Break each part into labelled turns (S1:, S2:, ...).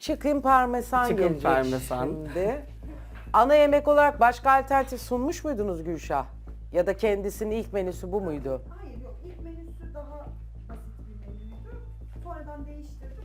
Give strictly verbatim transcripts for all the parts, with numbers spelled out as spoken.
S1: Chicken parmesan
S2: Chicken
S1: gelecek
S2: parmesan.
S1: şimdi. Ana yemek olarak başka alternatif sunmuş muydunuz Gülşah? Ya da kendisinin ilk menüsü bu muydu?
S3: Hayır yok, ilk menüsü daha basit bir menüydü. Sonradan değiştirdi.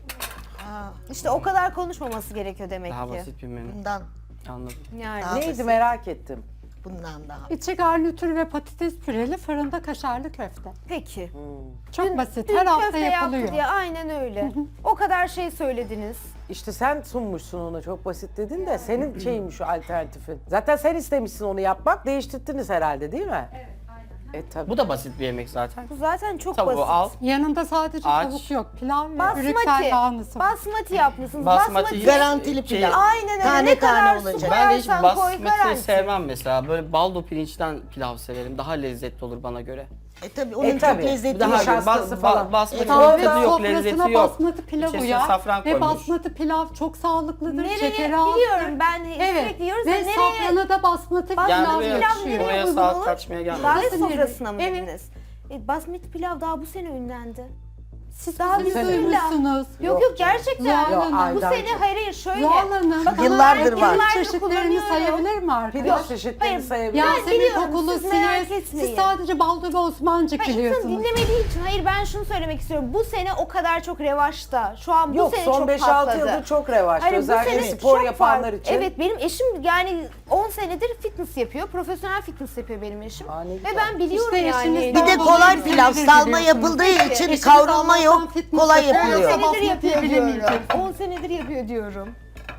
S3: Bunu
S4: İşte o kadar konuşmaması gerekiyor demek
S2: Daha
S4: ki.
S2: basit bir menü.
S5: Bundan,
S2: Anladım.
S4: Yani.
S5: Daha
S1: Neydi
S5: basit.
S1: merak ettim.
S5: bundan daha.
S6: İçi garnitür ve patates püreli fırında kaşarlı köfte.
S4: Peki.
S6: Çok basit.
S4: Dün
S6: Her hafta
S4: köfte yaptı
S6: yapılıyor.
S4: diye aynen öyle. O kadar şey söylediniz.
S1: İşte sen sunmuşsun onu, çok basit dedin de senin şeymiş o alternatifin. Zaten sen istemişsin onu yapmak, değiştirdiniz herhalde değil mi? Evet, aynen. E tabii.
S2: Bu da basit bir yemek zaten.
S4: Bu zaten çok
S2: Tavuğu
S4: basit.
S2: al.
S6: Yanında sadece
S2: Aç.
S6: tavuk yok. Pilav ve
S4: Basmati.
S6: brüksel lahanası var.
S4: Basmati yapmışsınız.
S2: Basmati.
S4: Basmati.
S5: Garantili
S2: Şey-
S5: pilav.
S4: Aynen öyle.
S5: Tane
S4: ne
S5: tane
S4: kadar su
S5: olacak.
S2: Ben de hiç
S4: koyarsan koy
S2: basmati
S4: garanti.
S2: sevmem mesela. Böyle baldo pirinçten pilav severim. Daha lezzetli olur bana göre.
S5: E tabii onun
S1: E
S5: çok
S1: tabii.
S5: lezzetli.
S2: Daha
S1: nişastası
S2: bas,
S1: falan.
S2: ba, basmati
S6: Tavuk
S2: tadı yok,
S6: sofrasına
S2: lezzeti yok.
S6: basmati pilav
S2: İçerisine
S6: uyar
S2: safran
S6: ve
S2: koymuş.
S6: basmati pilav çok sağlıklıdır.
S4: Nereye
S6: Şekeri azdır.
S4: biliyorum ben
S6: Evet.
S4: sürekli yiyoruz da
S6: Ve
S4: nereye?
S6: safrana da basmati
S4: Basmati
S2: Yani
S6: pilav
S2: buraya-
S4: pilav
S6: yakışıyor.
S4: nereye
S2: Oraya
S4: uygun
S2: saat
S4: olur?
S2: kaçmaya gelmedim.
S4: Davet
S6: Nasıl
S4: sofrasına mı
S6: evet.
S4: dediniz? E, basmati pilav daha bu sene ünlendi.
S6: Siz
S4: Daha
S6: bizi
S4: bir
S6: duymuşsunuz.
S4: Yok yok gerçekten.
S6: Zuhal
S1: Yok,
S6: Hanım.
S4: Bu
S1: aydan
S4: sene
S1: çok.
S4: hayır hayır şöyle.
S6: Zuhal Hanım.
S4: Bakın,
S5: Yıllardır
S4: ben
S5: var.
S4: yıllardır
S6: Çeşitlerini
S4: kullanıyorum.
S6: sayabilir mi
S1: Pilav
S6: arkadaş?
S1: çeşitlerini
S4: Hayır,
S1: sayabilir.
S4: ben
S6: Yasemin
S4: biliyorum,
S6: kokulu
S4: siz merak
S6: siyez.
S4: etmeyin.
S6: Siz sadece baldo ve osmancık
S4: Hayır, insan
S6: biliyorsunuz.
S4: dinlemediği için. Hayır ben şunu söylemek istiyorum. Bu sene o kadar çok revaçta. Şu an bu
S1: Yok,
S4: sene
S1: son
S4: çok
S1: beş altı
S4: patladı.
S1: yıldır çok revaçta.
S4: Hayır, bu
S1: Özellikle
S4: sene
S1: spor
S4: çok
S1: yapanlar
S4: fark-
S1: için.
S4: Evet benim eşim yani on senedir fitness yapıyor. Profesyonel fitness yapıyor benim eşim.
S1: Aa, ne
S4: Ve
S1: güzel.
S4: ben biliyorum
S6: İşte
S4: yani.
S6: eşiniz
S5: Bir de
S6: Baldo
S5: kolay
S6: ve
S5: pilav,
S6: peynir
S5: salma
S6: biliyorsunuz.
S5: yapıldığı
S4: Peki.
S5: için
S6: Eşiniz
S5: kavrulma yok,
S6: Allah'tan fitness
S5: kolay
S6: yapıyor.
S4: on
S5: yapılıyor.
S6: Sabah
S4: senedir yapıyor
S6: fitness
S4: diyorum.
S6: bilemeyecek.
S4: on senedir yapıyor diyorum.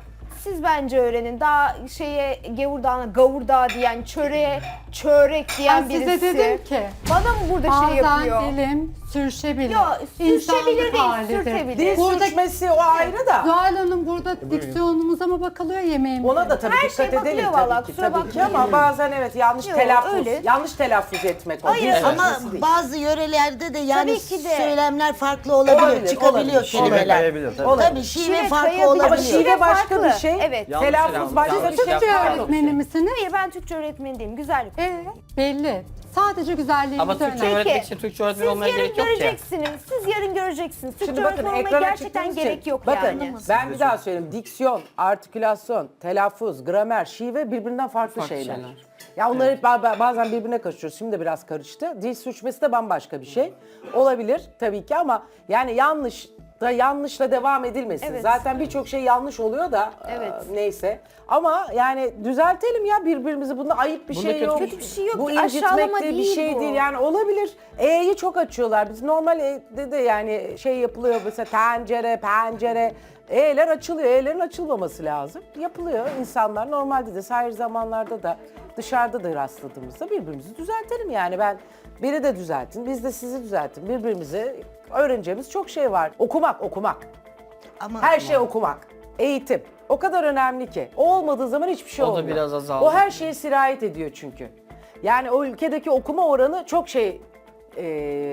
S4: Siz bence öğrenin. Daha şeye gavurdağına gavurdağı diyen, çöreğe çörek diyen
S6: Ben
S4: birisi.
S6: size dedim ki
S4: Bana mı burada şey
S6: bazen
S4: yapıyor?
S6: dilim sürüşebilir.
S4: Yok, sürüşebilir
S6: İnsanlık
S4: değil,
S6: halidir.
S4: sürtebilir.
S1: Dil
S6: Burada
S1: sürçmesi o ayrı da.
S6: Zuhal Hanım burada diksiyonumuza mı bakılıyor yemeğimize?
S1: Ona da tabii
S4: Her
S1: dikkat
S4: şeye
S1: edelim
S4: bakılıyor
S1: tabii
S4: vallahi,
S1: ki,
S4: kusura
S1: tabii ki
S4: bakmayın.
S1: ama bazen evet yanlış
S4: Yok,
S1: telaffuz,
S4: öyle.
S1: yanlış telaffuz etmek o.
S4: Hayır,
S1: Dil
S4: evet.
S5: Ama
S1: sürçmesi değil.
S5: bazı yörelerde de yani
S4: Tabii ki de.
S5: söylemler farklı olabiliyor,
S1: Olabilir,
S5: çıkabiliyor
S1: olabilir.
S5: kelimeler.
S7: Kayabilir, tabii.
S1: Olabilir.
S5: Tabii şive
S4: Şive
S5: farklı
S4: kayabilir.
S5: olabiliyor.
S1: Ama şive başka
S4: farklı.
S1: bir şey.
S4: Evet.
S2: Yanlış
S1: Telaffuz
S2: telaffuz,
S1: başka
S2: yanlış
S1: bir şey.
S6: Türkçe
S2: yapar.
S6: öğretmeni misiniz?
S4: Hayır ben Türkçe öğretmeni değilim. Güzellik.
S6: Evet, belli. Sadece güzelliğinizi
S2: Ama Türkçe
S6: önemli.
S2: öğretmek için Türkçe öğretmen
S4: Siz
S2: olmaya
S4: yarın
S2: gerek yok ki.
S4: göreceksiniz. Siz yarın göreceksiniz. Türkçe
S1: Şimdi bakın
S4: öğretmen olmaya
S1: ekrana
S4: gerçekten
S1: çıktığınız
S4: gerek
S1: için,
S4: yok
S1: bakın,
S4: yani.
S1: ben bir daha söyleyeyim. Diksiyon, artikülasyon, telaffuz, gramer, şive birbirinden farklı,
S2: Farklı
S1: şeyler.
S2: şeyler.
S1: Ya onları hep ba- bazen birbirine karıştırıyoruz. Şimdi de biraz karıştı. Dil sürçmesi de bambaşka bir şey. Olabilir tabii ki ama yani yanlış da yanlışla devam edilmesin.
S4: Evet.
S1: Zaten birçok şey yanlış oluyor da
S4: Evet.
S1: e, neyse. Ama yani düzeltelim ya birbirimizi. Bunda ayıp bir
S2: Bunda
S1: şey
S2: kötü
S1: yok.
S4: Kötü bir şey yok.
S1: Bu
S4: Aşağılama
S1: incitmek de bir
S4: değil
S1: şey
S4: bu.
S1: değil. Yani olabilir. E'yi çok açıyorlar. Biz normal E'de de yani şey yapılıyor mesela tencere, pencere. E'ler açılıyor. E'lerin açılmaması lazım. Yapılıyor. İnsanlar normalde de sahir zamanlarda da dışarıda da rastladığımızda birbirimizi düzeltelim yani. Ben biri de düzeltin, biz de sizi düzeltin. Birbirimizi öğreneceğimiz çok şey var. Okumak, okumak.
S5: Ama
S1: Her şey okumak. Eğitim. O kadar önemli ki. O olmadığı zaman hiçbir şey
S2: O da
S1: olmuyor.
S2: biraz azaldı.
S1: O her şeye sirayet ediyor çünkü. Yani o ülkedeki okuma oranı çok şey e,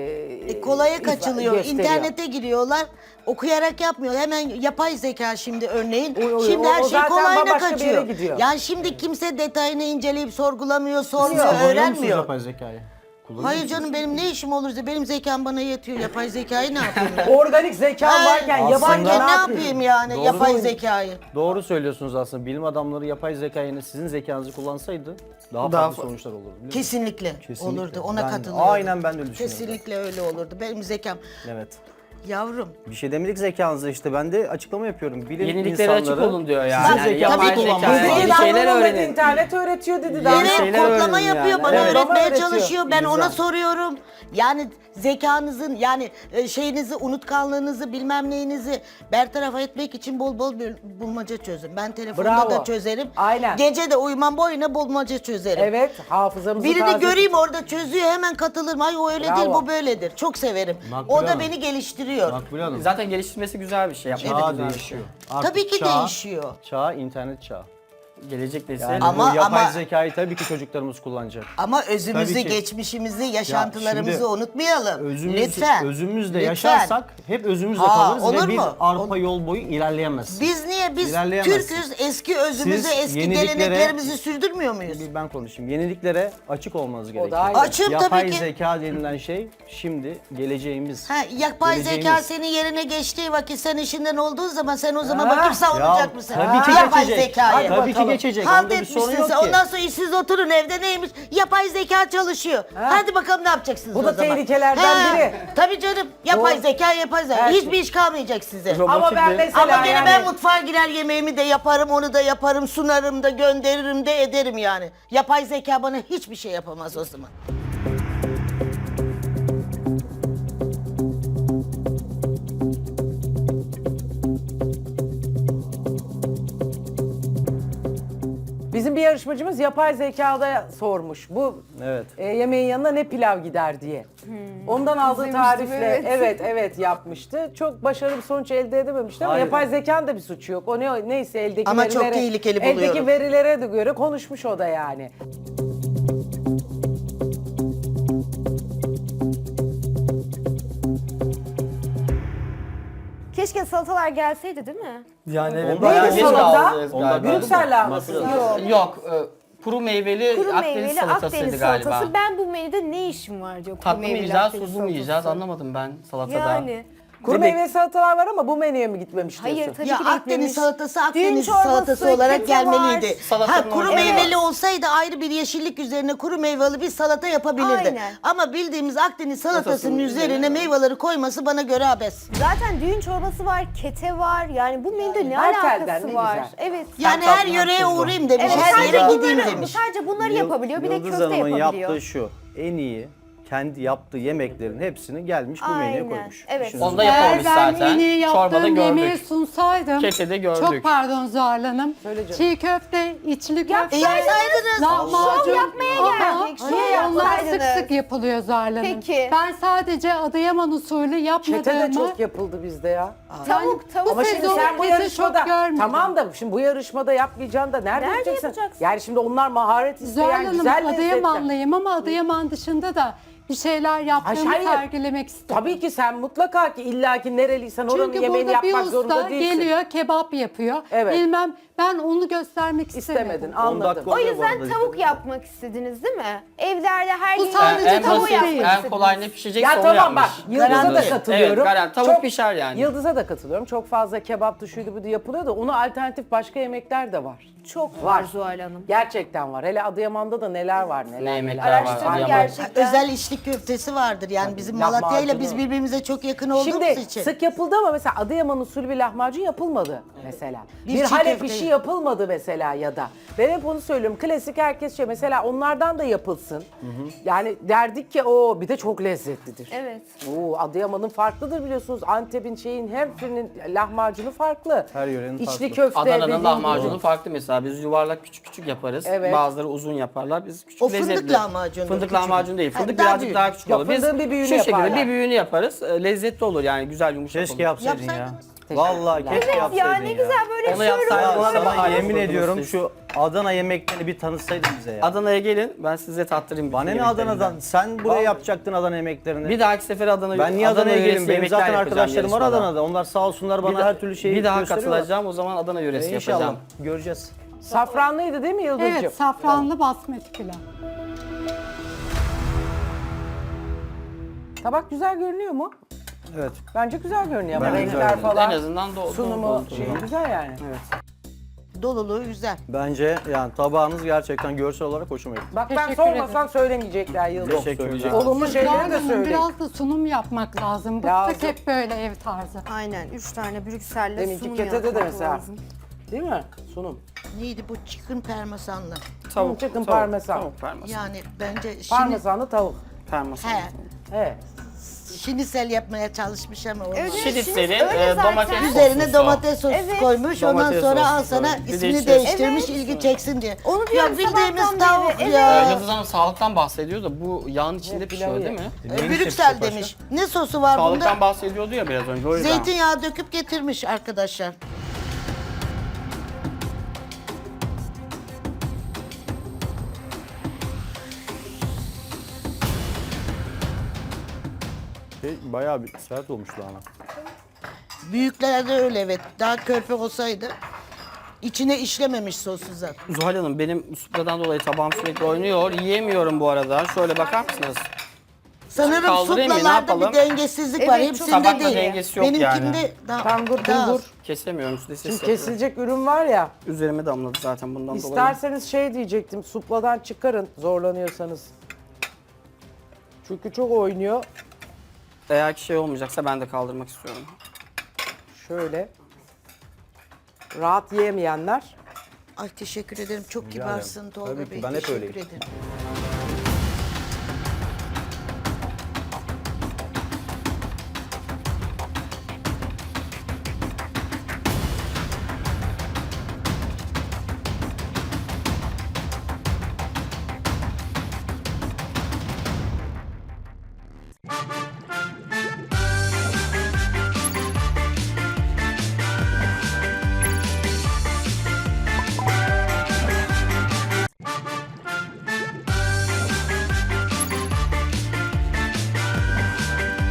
S5: E, kolaya kaçılıyor.
S1: gösteriyor.
S5: İnternete giriyorlar. Okuyarak yapmıyor. Hemen yapay zeka şimdi örneğin.
S1: O- o-
S5: şimdi
S1: o-
S5: her
S1: o
S5: şey
S1: zaten
S5: kolayına
S1: bambaşka bir yere
S5: kaçıyor.
S1: gidiyor.
S5: Yani şimdi kimse detayını inceleyip sorgulamıyor, sormuyor,
S7: Kullanıyor musunuz
S5: öğrenmiyor.
S7: yapay zekayı? Kullanıyor
S5: Hayır
S7: musunuz?
S5: canım benim ne işim olursa benim zekam bana yetiyor. Yapay zekayı ne yapayım ben?
S1: Organik zekan
S5: Ay,
S1: varken
S7: aslında-
S1: yabancı
S5: varken ne
S1: yapayım?
S5: yapayım yani
S7: Doğru
S5: yapay
S7: mu?
S5: zekayı?
S7: Doğru söylüyorsunuz aslında. Bilim adamları yapay zekayı sizin zekanızı kullansaydı daha,
S2: Daha
S7: farklı
S2: fa-
S7: sonuçlar olurdu. biliyor musunuz?
S5: Kesinlikle,
S7: Kesinlikle.
S5: olurdu. Ona
S7: Ben-
S5: katılıyorum.
S7: aynen ben de öyle düşünüyorum.
S5: Kesinlikle öyle olurdu. Benim zekam.
S7: Evet.
S5: Yavrum.
S7: Bir şey demedik zekanıza işte. Ben de açıklama yapıyorum. Bilim
S2: Yeniliklere açık
S7: insanları
S2: olun diyor yani.
S7: sizin
S2: Yani
S7: zekanızı
S2: yapay
S7: kullanmanız
S2: zekaya
S7: lazım.
S2: bir
S1: Dedi
S2: şeyler
S1: anlamadı,
S2: öğrenin.
S1: internet öğretiyor dedi. Daha
S5: Evet,
S2: şeyler
S5: kodlama
S2: öğrenin
S5: yapıyor,
S2: yani.
S5: bana
S1: Evet, bana
S5: öğretmeye
S1: öğretiyor.
S5: çalışıyor. Ben
S1: Güzel.
S5: ona soruyorum. Yani zekanızın, yani e, şeyinizi, unutkanlığınızı, bilmem neyinizi bertaraf etmek için bol bol bul- bulmaca çözün. Ben telefonda
S1: Bravo.
S5: da çözerim.
S1: Aynen.
S5: Gece de uyumam boyuna bulmaca çözerim.
S1: Evet, hafızamızı
S5: Birini
S1: taze
S5: göreyim orada çözüyor, hemen katılırım. Ay o öyle
S1: Bravo.
S5: değil, bu böyledir. Çok severim.
S7: Makbule
S5: O da
S7: Hanım.
S5: beni geliştiriyor.
S7: Makbule Hanım.
S2: Zaten geliştirmesi güzel bir şey. Yapmak
S7: Çağ
S2: güzel bir
S7: değişiyor.
S2: şey.
S7: Artık
S5: Tabii ki
S7: çağ-
S5: değişiyor.
S7: Çağ internet çağı.
S2: Gelecek nesil.
S7: Yani
S5: Ama-
S7: bu yapay
S5: ama-
S7: zekayı tabii ki çocuklarımız kullanacak.
S5: Ama özümüzü,
S7: Tabii ki.
S5: geçmişimizi, yaşantılarımızı
S7: şimdi
S5: unutmayalım.
S7: Özümüz,
S5: Lütfen.
S7: özümüzle
S5: Lütfen.
S7: yaşarsak hep özümüzle
S5: Aa,
S7: kalırız
S5: olur
S7: ve biz
S5: mu?
S7: arpa yol boyu ilerleyemezsiniz.
S5: Biz niye Niye biz
S7: İlerleyemezsin.
S5: Türk'üz, eski özümüzü,
S7: Siz
S5: eski
S7: yeniliklere-
S5: geleneklerimizi sürdürmüyor muyuz?
S7: Bir ben konuşayım. Yeniliklere açık olmanız gerekiyor.
S1: ayrı.
S5: Açım
S7: Yapay
S5: tabii ki.
S7: zeka denilen şey şimdi geleceğimiz.
S5: Ha, yapay
S7: Geleceğimiz.
S5: zeka senin yerine geçtiği vakit sen işinden olduğun zaman sen o zaman
S1: Ha.
S5: bakıp savunacak
S7: Ya,
S5: mısın?
S7: tabii ki
S5: Yapay
S7: geçecek.
S5: zekayı.
S7: Tabii ki
S1: bakalım.
S7: geçecek.
S5: Halt
S7: Onda bir sorun
S5: etmişsin
S7: yok
S5: sen.
S7: ki.
S5: Ondan sonra işsiz oturun evde neymiş? Yapay zeka çalışıyor. Hadi bakalım ne yapacaksınız
S1: Bu
S5: o
S1: da
S5: zaman?
S1: tehlikelerden biri.
S5: Tabii canım. Yapay
S1: Bu-
S5: zeka, yapay zeka.
S1: Her
S5: Hiçbir
S1: şey.
S5: iş kalmayacak size.
S7: Robotik
S1: Ama ben
S7: bir-
S1: mesela
S5: Ama gene
S1: yani...
S5: ben mutfağa girer yemeğimi de yaparım, onu da yaparım, sunarım da gönderirim de ederim yani. Yapay zeka bana hiçbir şey yapamaz o zaman.
S1: Bizim bir yarışmacımız yapay zekada sormuş. Bu
S7: Evet.
S1: e, yemeğin yanına ne pilav gider diye. Ondan aldığı
S4: İzlemiştim,
S1: tarifle
S4: evet.
S1: evet evet yapmıştı. Çok başarılı bir sonuç elde edememişti ama
S7: Hayır.
S1: yapay zekanın da bir suçu yok. O ne neyse eldeki
S5: Ama çok
S1: verilere,
S5: tehlikeli
S1: eldeki
S5: buluyorum.
S1: verilere de göre konuşmuş o da yani.
S4: Keşke salatalar gelseydi değil mi?
S2: Yani evet,
S7: Onda
S2: bayağı
S1: neydi
S2: geç
S1: salata?
S2: kaldınız
S7: Onda
S2: galiba.
S1: Brüksel lahanası.
S2: Yok. Yok. e, Kuru meyveli
S4: Kuru
S2: Akdeniz
S4: meyveli
S2: salatasıydı
S4: Akdeniz
S2: galiba.
S4: salatası. Ben bu menüde ne işim var diyor. Kuru
S2: Tatlı mı
S4: meyveli
S2: yiyeceğiz,
S4: Akdeniz
S2: tuzlu mu yiyeceğiz
S4: salatası.
S2: anlamadım ben salatada.
S4: Yani.
S1: Kuru
S2: Demek-
S1: meyveli salatalar var ama bu menüye mi gitmemiş diyorsun?
S4: Hayır tabii
S5: Ya
S4: ki de
S5: Akdeniz
S4: gitmemiş.
S5: salatası
S4: Düğün
S5: Akdeniz
S4: çorbası,
S5: salatası olarak
S4: kete var.
S5: gelmeliydi.
S2: Salatanın
S5: Ha kuru
S2: orada-
S5: meyveli
S4: Evet.
S5: olsaydı ayrı bir yeşillik üzerine kuru meyveli bir salata yapabilirdi.
S4: Aynen.
S5: Ama bildiğimiz Akdeniz salatasının
S2: Salatasının
S5: üzerine
S2: üzerine-
S5: meyveleri koyması bana göre abes.
S4: Zaten düğün çorbası var, kete var. Yani bu menüde ne
S1: her telden
S4: alakası
S1: ne
S4: var?
S1: güzel.
S4: Evet.
S5: Yani
S2: tatlı
S5: her yöreye
S2: tuzlu.
S5: uğrayayım demiş,
S4: Evet,
S5: her
S4: sadece
S5: yere
S4: bunları-
S5: gideyim demiş.
S4: Sadece bunları yapabiliyor. Bir de
S7: Yıldız
S4: köfte
S7: Hanım'ın
S4: yapabiliyor.
S7: yaptığı şu. En iyi kendi yaptığı yemeklerin hepsini gelmiş bu menüye
S4: Aynen,
S7: koymuş.
S4: evet.
S7: İşiniz
S2: Onu da
S6: Eğer
S2: yapamamış
S6: ben
S2: zaten.
S6: en iyi
S2: Çorbada
S6: yaptığım yemeği
S2: gördük.
S6: sunsaydım.
S2: Kefede gördük.
S6: Çok pardon Zuhal Hanım.
S1: Söyle canım.
S6: Çiğ köfte, içli köfte.
S5: E yapsaydınız.
S6: Lahmacun.
S4: Şov yapmaya
S6: Aha,
S4: geldik. Şov
S6: Niye? Onlar sık
S4: yapsaydınız.
S6: sık yapılıyor Zuhal Hanım.
S4: Peki.
S6: Ben sadece Adıyaman usulü yapmadığımı...
S1: Çete de çok yapıldı bizde ya.
S4: Tavuk, tavuk.
S1: Ama şimdi
S6: sezon
S1: sen bu
S6: kete
S1: yarışmada
S6: çok görmedim.
S1: tamam da şimdi bu yarışmada yapmayacaksın da nerede,
S4: Nerede
S1: yapacaksın?
S4: yapacaksın?
S1: Yani şimdi onlar maharet
S6: Zuhal
S1: isteyen
S6: Hanım
S1: güzel lezzetler.
S6: Adıyamanlıyım ama Adıyaman dışında da bir şeyler yaptığımı
S1: hayır.
S6: sergilemek istedim.
S1: Tabii ki sen mutlaka ki illaki nereliysen oranın
S6: Çünkü
S1: yemeğini
S6: burada bir
S1: yapmak
S6: usta
S1: zorunda değilsin.
S6: geliyor, kebap yapıyor.
S1: Evet.
S6: Bilmem, ben onu göstermek
S1: İstemedin,
S6: istemedim.
S7: on
S1: anladım.
S7: dakika
S4: O
S7: oluyor bu
S4: yüzden
S7: arada.
S4: tavuk yapmak istediniz değil mi? Evlerde her
S6: Bu
S4: gün
S6: sadece
S2: en
S6: tavuk
S2: basit,
S6: değil.
S2: en kolay ne pişecekse
S1: Ya
S2: onu
S1: tamam
S2: yapmış.
S1: bak, Yıldız'a da
S2: Evet,
S1: katılıyorum.
S2: garanti tavuk pişer yani.
S1: Yıldız'a da katılıyorum. Çok fazla kebaptı, şuydu bu yapılıyor da ona alternatif başka yemekler de var.
S4: çok
S1: Var.
S4: var Zuhal Hanım.
S1: Gerçekten var. Hele Adıyaman'da da neler var neler.
S2: Ne yemekler
S1: neler.
S2: var
S4: Araştırın
S2: Adıyaman.
S4: gerçekten.
S5: Özel içli köftesi vardır yani bizim
S1: lahmacunu.
S5: Malatya ile biz birbirimize çok yakın olduğumuz
S1: Şimdi
S5: için.
S1: sık yapıldı ama mesela Adıyaman usulü bir lahmacun yapılmadı mesela.
S5: Bir
S1: Bir
S5: çiğ
S1: Halep
S5: köfte.
S1: işi yapılmadı mesela ya da. Ben hep onu söylüyorum. Klasik herkes şey mesela onlardan da yapılsın. Yani derdik ki o bir de çok lezzetlidir.
S4: Evet.
S1: Oo, Adıyaman'ın farklıdır biliyorsunuz. Antep'in şeyin her birinin lahmacunu farklı.
S7: Her yörenin
S1: İçli
S7: farklı.
S1: köfte
S2: Adana'nın
S1: dediğin
S2: lahmacunu
S1: gibi.
S2: farklı mesela. Biz yuvarlak küçük küçük yaparız.
S1: Evet.
S2: Bazıları uzun yaparlar. Biz küçük
S5: O fındık
S2: lezzetli.
S5: lahmacunu,
S2: Fındık
S5: küçük.
S2: lahmacun değil.
S5: Ha,
S2: Fındık
S5: daha
S2: birazcık
S5: büyük.
S2: daha küçük
S1: Yok,
S2: olur. Biz
S1: fındığın bir büyüğünü
S2: şu şekilde
S1: yaparlar.
S2: bir büyüğünü yaparız. E, Lezzetli olur yani güzel yumuşak
S7: Keşke
S2: olur.
S7: yapsaydın ya.
S5: Yapsaydınız.
S7: Vallahi keşke
S4: Evet
S7: yapsaydın
S4: ya ne güzel böyle
S2: Onu
S4: şöyle
S2: yapsaydın,
S4: olur.
S2: ona da
S7: Sana
S2: bahane
S7: yemin
S2: sordunuz
S7: ediyorum
S2: siz.
S7: şu Adana yemeklerini bir tanıtsaydın bize ya.
S2: Adana'ya gelin ben size tattırayım.
S7: Bana ne
S2: yemeklerinden.
S7: Adana'dan? Sen buraya
S2: Vallahi.
S7: yapacaktın Adana yemeklerini.
S2: Bir dahaki sefer Adana'ya
S7: ben niye Adana'ya
S2: yöresi
S7: geleyim? Benim
S2: yemekler
S7: zaten
S2: yapacağım
S7: arkadaşlarım var
S2: yarışmada.
S7: Adana'da. Onlar sağ olsunlar bana
S2: Bir,
S7: her türlü şeyi
S2: bir daha
S7: gösteriyorlar.
S2: katılacağım o zaman Adana yöresi
S7: E, İnşallah
S2: yapacağım.
S7: göreceğiz.
S1: Safranlıydı değil mi Yıldız'cığım?
S6: Evet, safranlı basmati pilav.
S1: Tabak güzel görünüyor mu?
S7: Evet.
S1: Bence güzel görünüyor ama
S7: Bence
S1: renkler
S7: güzel.
S1: falan.
S2: En azından do-
S1: Sunumu
S2: dolu dolu.
S1: şey güzel yani.
S2: Evet.
S5: Doluluğu güzel.
S7: Bence yani tabağınız gerçekten görsel olarak hoşuma gitti.
S1: Bak ben
S6: Teşekkür
S1: sormasam söylemeyecekler Yıldız.
S7: Yok,
S2: Teşekkür
S7: söyleyeceğim.
S2: ederim.
S1: Olumlu şeyleri de
S6: Hanım,
S1: söyleyin.
S6: biraz da sunum yapmak lazım. Bıktık
S1: Lazım.
S6: hep böyle ev tarzı.
S4: Aynen üç tane Brüksel'le
S1: Deminki
S4: sunum
S1: ketede de
S4: yapmak
S1: mesela.
S4: lazım.
S1: Değil mi? Sunum.
S5: Neydi bu chicken parmesanlı?
S1: Tavuk, chicken parmesan.
S2: Tavuk parmesan.
S5: Yani bence şimdi
S1: Parmesanlı tavuk.
S2: Parmesan.
S5: he,
S1: Evet.
S5: şinisel yapmaya çalışmış ama olmadı.
S4: Evet,
S2: Şinitsel'in
S4: şimdi öyle
S2: e,
S4: zaten.
S2: domates
S5: Üzerine
S2: sosu.
S5: domates sosu
S4: Evet.
S5: koymuş. Ondan
S2: Domates
S5: sonra al
S2: sosu
S5: sana
S2: koymuş. Bir de
S5: ismini
S2: içerisine-
S5: değiştirmiş
S4: Evet.
S5: ilgi çeksin diye.
S4: Onu
S5: Ya
S4: diyorum
S5: bildiğimiz
S4: sabahtan
S5: tavuk
S4: beri,
S5: ya.
S2: Ee, Yıldız Hanım sağlıktan bahsediyor da bu yağın içinde
S1: Evet,
S2: pişiyor
S1: pilavı
S2: değil mi?
S5: E,
S7: Neymiş
S5: Brüksel
S7: hepsi başka?
S5: demiş. Ne sosu var
S2: Sağlıktan
S5: bunda?
S2: bahsediyordu ya biraz önce o yüzden.
S5: Zeytinyağı döküp getirmiş arkadaşlar.
S7: Şey, bayağı bir sert olmuş lahana.
S5: Büyüklerde öyle evet. Daha körpe olsaydı. İçine işlememiş sosu zaten.
S2: Zuhal Hanım benim supladan dolayı tabağım sürekli oynuyor. Yiyemiyorum bu arada. Şöyle bakar mısınız?
S5: Sanırım
S2: Kaldırayım mı, ne
S5: suplalarda
S2: yapalım?
S5: bir dengesizlik var.
S4: Evet,
S5: Hepsinde
S2: tabakla
S5: değil.
S2: dengesi yok
S5: Benimkinde
S2: yani.
S5: daha,
S1: Tangur
S5: daha az.
S1: bulgur.
S2: Kesemiyorum. Size ses
S1: Şimdi
S2: yapıyor.
S1: kesilecek ürün var ya.
S2: Üzerime damladı zaten bundan dolayı.
S1: İsterseniz şey diyecektim. Supladan çıkarın zorlanıyorsanız. Çünkü çok oynuyor.
S2: Eğer ki şey olmayacaksa ben de kaldırmak istiyorum.
S1: Şöyle. Rahat yiyemeyenler.
S5: Ay teşekkür ederim. Çok
S7: Rica
S5: kibarsın
S7: ederim.
S5: Tolga
S7: Tabii ki,
S5: Bey.
S7: ben hep
S5: teşekkür
S7: öyleyim.
S5: ederim.